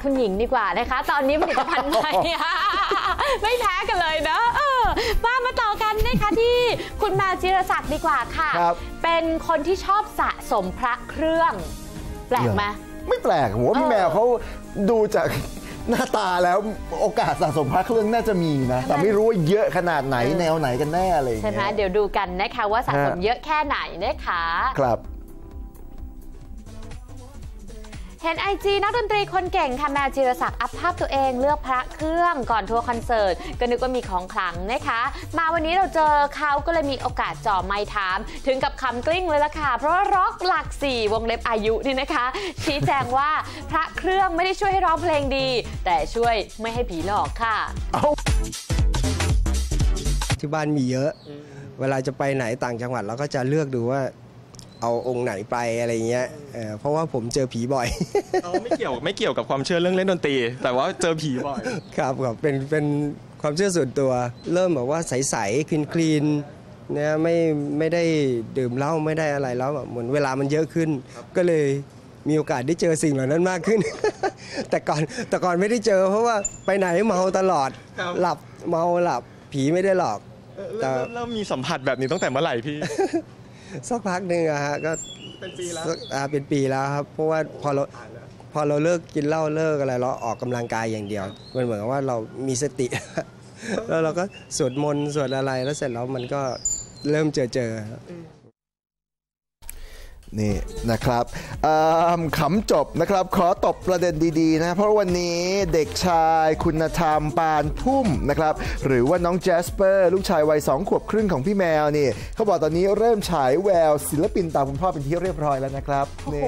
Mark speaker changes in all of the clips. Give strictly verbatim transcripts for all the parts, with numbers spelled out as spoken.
Speaker 1: คุณหญิงดีกว่านะคะตอนนี้ผลิตภัณฑ์ใหม่ไม่แพ้กันเลยนะเออมามาต่อกันนะคะที่คุณแมวจิรศักดิ์ดีกว่าค่ะเป็นคนที่ชอบสะสมพระเครื่องแปลกไหม
Speaker 2: ไม่แปลกผมว่าพี่แมวเขาดูจากหน้าตาแล้วโอกาสสะสมพระเครื่องน่าจะมีนะแต่ไม่รู้ว่าเยอะขนาดไหนแนวไหนกันแน่อะไรอย่างเงี้ย
Speaker 1: ใช่ไหมเดี๋ยวดูกันนะคะว่าสะสมเยอะแค่ไหนนะคะ
Speaker 2: ครับ
Speaker 1: เห็นไอจีนักดนตรีคนเก่งค่ะแมวจิรศักดิ์อัพภาพตัวเองเลือกพระเครื่องก่อนทัวร์คอนเสิร์ตก็นึกว่ามีของขลังนะคะมาวันนี้เราเจอเขาก็เลยมีโอกาสจ่อไมค์ถามถึงกับคำกลิ้งเลยล่ะค่ะเพราะว่าร็อกหลักสี่วงเล็บอายุนี่นะคะชี้แจงว่าพระเครื่องไม่ได้ช่วยให้ร้องเพลงดีแต่ช่วยไม่ให้ผีหลอกค่ะ
Speaker 3: ที่บ้านมีเยอะเวลาจะไปไหนต่างจังหวัดเราก็จะเลือกดูว่าเอาองค์ไหนไปอะไรเงี้ยเออเพราะว่าผมเจอผีบ่อย
Speaker 4: เราไม่เกี่ยวไม่เกี่ยวกับความเชื่อเรื่องเล่นดนตรีแต่ว่าเจอผีบ่อย
Speaker 3: ครับครับเป็นเป็นความเชื่อส่วนตัวเริ่มแบบว่าใสๆคลีนคลีนเนี่ยไม่ไม่ได้ดื่มเหล้าไม่ได้อะไรแล้วเหมือนเวลามันเยอะขึ้นก็เลยมีโอกาสได้เจอสิ่งเหล่านั้นมากขึ้น แต่ก่อนแต่ก่อนไม่ได้เจอเพราะว่าไปไหนเมาตลอดหลับเมาหลับผีไม่ได้หลอก
Speaker 4: แต่เริ่มมีสัมผัสแบบนี้ตั้งแต่เมื่อไหร่พี่
Speaker 3: สักพักหนึ่งอะฮะก็
Speaker 4: เป็นปีแล้ว
Speaker 3: เป็นปีแล้วครับเพราะว่าพอเราพอเราเลิกกินเหล้าเลิกอะไรเราออกกำลังกายอย่างเดียวมันเหมือนกับว่าเรามีสติแล้วเราก็สวดมนต์สวดอะไรแล้วเสร็จแล้วมันก็เริ่มเจอเจอ
Speaker 2: นี่นะครับขำจบนะครับขอตบประเด็นดีๆนะเพราะวันนี้เด็กชายคุณธรรมปานพุ่มนะครับหรือว่าน้องแจสเปอร์ลูกชายวัยสองขวบครึ่งของพี่แมวนี่เขาบอกตอนนี้เริ่มฉายแววศิลปินตามคุณพ่อเป็นที่เรียบร้อยแล้วนะครับนี่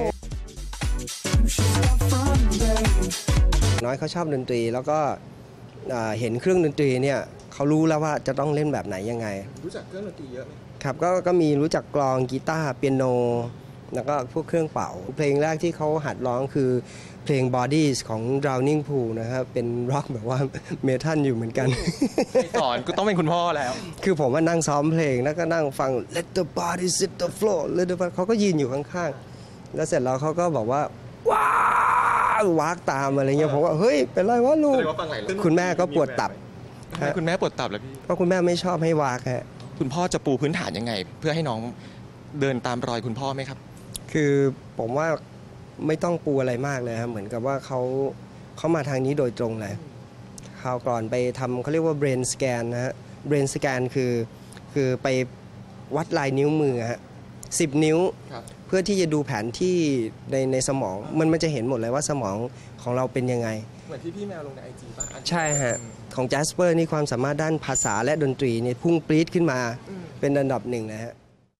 Speaker 3: น้อยเขาชอบดนตรีแล้วก็เห็นเครื่องดนตรีเนี่ยเขารู้แล้วว่าจะต้องเล่นแบบไหนยังไง
Speaker 4: รู้จักเครื่องดนตรีเยอะไหม
Speaker 3: ครับก็ก็มีรู้จักกลองกีตาร์เปียโนแล้วก็พวกเครื่องเป่าเพลงแรกที่เขาหัดร้องคือเพลง Bodies ของ Drowning Pool นะครับเป็นร็อกแบบว่าเมทัลอยู่เหมือนกัน
Speaker 4: สอนก็ต้องเป็นคุณพ่อแล้ว
Speaker 3: คือผมว่านั่งซ้อมเพลงแล้วก็นั่งฟัง Let the bodies hit the floor Let the bodies เขาก็ยืนอยู่ข้างๆแล้วเสร็จแล้วเขาก็บอกว่าว้าววากตามอะไรเงี้ยผมว่าเฮ้ยเป็นไรวะลูกคุณแม่ก็ปวดตับ
Speaker 4: คุณแม่ปวดตับแล้วพี่
Speaker 3: เพราะคุณแม่ไม่ชอบให้วากฮะ
Speaker 4: คุณพ่อจะปูพื้นฐานยังไงเพื่อให้น้องเดินตามรอยคุณพ่อไหมครับ
Speaker 3: คือผมว่าไม่ต้องปูอะไรมากเลยครับเหมือนกับว่าเขาเขามาทางนี้โดยตรงเลยคราวก่อนไปทำเขาเรียกว่า brain scan นะฮะ brain scan คือคือไปวัดลายนิ้วมือฮะสิบนิ้วเพื่อที่จะดูแผนที่ในในสมองมันมันจะเห็นหมดเลยว่าสมองของเราเป็นยังไง
Speaker 4: เหมือนที่พี่แมวลงในไอจีป่ะ
Speaker 3: ใช่ฮะของแจสเปอร์นี่ความสามารถด้านภาษาและดนตรีเนี่ยพุ่งปรี๊ดขึ้นมาเป็นอันดับหนึ่งนะฮะ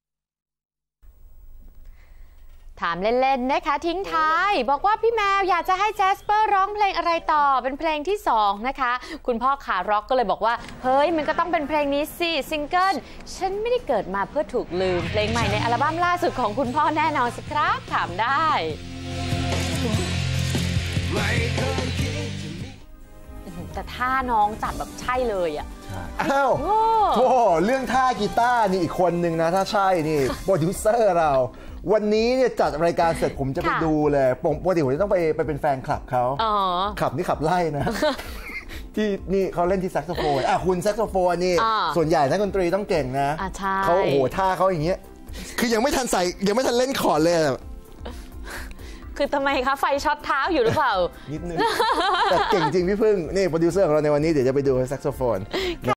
Speaker 1: ถามเล่นๆนะคะทิ้งท้ายบอกว่าพี่แมวอยากจะให้แจสเปอร์ร้องเพลงอะไรต่อเป็นเพลงที่สองนะคะคุณพ่อขาร็อกก็เลยบอกว่าเฮ้ยมันก็ต้องเป็นเพลงนี้สิซิงเกิลฉันไม่ได้เกิดมาเพื่อถูกลืมเพลงใหม่ในอัลบั้มล่าสุดของคุณพ่อแน่นอนสิครับถามได้แต่ท่าน้องจัดแบบใช่เลยอ่ะ
Speaker 2: อ้าวโอ้เรื่องท่ากีตาร์นี่อีกคนนึงนะถ้าใช่นี่โปรดิวเซอร์เราวันนี้เนี่ยจัดรายการเสร็จผมจะไปดูเลยปกติผมจะต้องไปไปเป็นแฟนคลับเขาขับนี่ขับไล่นะที่นี่เขาเล่นที่แซกโซโฟนอ่ะคุณแซกโซโฟนนี่ส่วนใหญ่นักดนตรีต้องเก่งนะเขาโอ้โหท่าเขาอย่างเงี้ยคือยังไม่ทันใส่ยังไม่ทันเล่นคอร์ดเลย
Speaker 1: คือทำไมคะไฟช็อตเท้าอยู่หรือเปล่า
Speaker 2: นิดนึงแต่เก่งจริงพี่พึ่งนี่โปรดิวเซอร์ของเราในวันนี้เดี๋ยวจะไปดูแซกโซโฟน